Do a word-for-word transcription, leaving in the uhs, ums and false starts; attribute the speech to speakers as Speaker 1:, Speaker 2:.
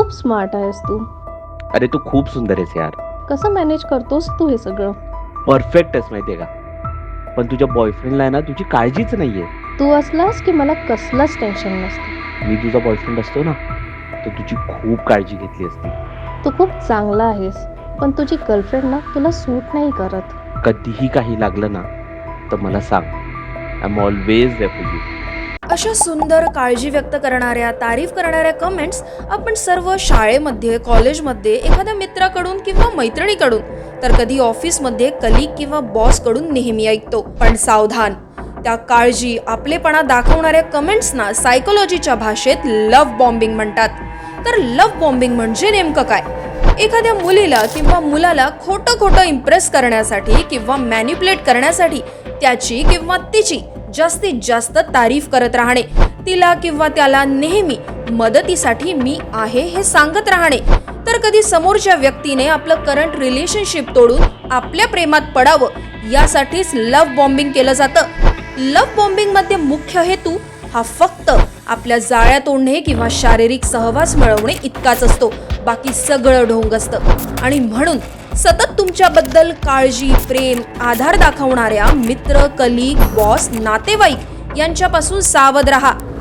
Speaker 1: खूप स्मार्ट आहेस तू.
Speaker 2: अरे तू खूप सुंदर आहेस यार.
Speaker 1: कसं मॅनेज करतोस तू हे सगळं?
Speaker 2: परफेक्ट आहेस माहितीये का. पण तुझ्या बॉयफ्रेंडला आहे ना तुझी काळजीच नाहीये.
Speaker 1: तू असलास की मला कसलंच टेन्शन नसतं.
Speaker 2: मी तुझा बॉयफ्रेंड असतो ना तर तुझी खूप काळजी घेतली असती.
Speaker 1: तू खूप चांगला आहेस, पण तुझी गर्लफ्रेंड ना तुला सूट नाही करत.
Speaker 2: कधीही काही लागलं ना तर मला सांग. I am always there for you.
Speaker 3: अशा सुंदर काळजी व्यक्त करणाऱ्या, तारीफ करणाऱ्या कमेंट्स आपण सर्व शाळेमध्ये, कॉलेजमध्ये, एखाद्या मित्राकडून किंवा मैत्रिणीकडून, तर कधी ऑफिसमध्ये कलीग किंवा बॉसकडून नेहमी ऐकतो. पण सावधान, त्या काळजी, आपलेपणा दाखवणाऱ्या कमेंट्सना सायकोलॉजीच्या भाषेत लव्ह बॉम्बिंग म्हणतात. तर लव्ह बॉम्बिंग म्हणजे नेमकं काय? एखाद्या मुलीला किंवा मुलाला खोटं खोटं इम्प्रेस करण्यासाठी किंवा मॅनिप्युलेट करण्यासाठी त्याची किंवा तिची जास्तीत जास्त तारीफ करत राहणे, तिला किंवा त्याला नेहमी मदतीसाठी मी आहे हे सांगत राहणे. तर कधी समोरच्या व्यक्तीने आपलं करंट रिलेशनशिप तोडून आपल्या प्रेमात पडावं यासाठीच लव्ह बॉम्बिंग केलं जातं. लव्ह बॉम्बिंग मध्ये मुख्य हेतू हा फक्त आपल्या जाळ्या तोडणे किंवा शारीरिक सहवास मिळवणे इतकाच असतो. बाकी सगळं ढोंग असतं. आणि म्हणून सतत तुमच्याबद्दल काळजी, प्रेम, आधार दाखवणाऱ्या मित्र, कलीग, बॉस, नातेवाईक यांच्यापासून सावध राहा.